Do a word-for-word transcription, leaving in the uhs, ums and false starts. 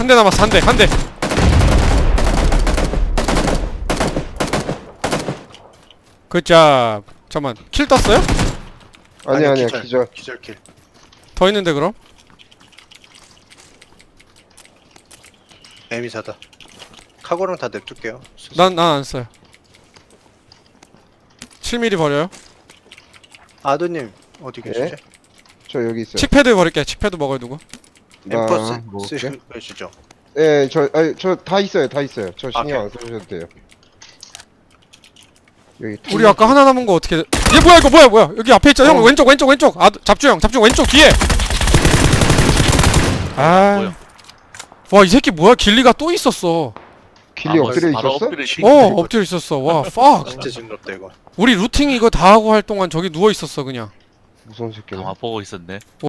대 남았어. 한 대, 한 대. 굿잡. 잠깐만, 킬 떴어요? 아니 아니야 기절, 기절. 기절킬. 더 있는데 그럼? 에미사다. 카고랑 다 냅둘게요. 난 난 안 써요. 칠 밀리미터 버려요. 아드님 어디 네? 계시지? 저 여기 있어요. 칙패드 버릴게. 칙패드 먹어요 누구? 나 엠퍼스 먹을게. 쓰시죠? 예, 저, 아니, 저 다 있어요, 다 있어요. 저 아, 신경 안 써주셔도 돼요. 여기 우리 아까 하나 남은 거 어떻게? 얘 뭐야 이거 뭐야 뭐야? 여기 앞에 있잖아. 형 어. 왼쪽 왼쪽 왼쪽. 아 잡주 형 잡주 왼쪽 뒤에. 아. 뭐야? 와 이 새끼 뭐야? 길리가 또 있었어. 길리 아, 엎드려 바로 있었어? 엎드려 시- 어 엎드려 있었어. 와 fuck. 진짜 징그럽다 이거. 우리 루팅 이거 다 하고 할 동안 저기 누워 있었어 그냥. 무서운 새끼네. 가만 보고 있었네.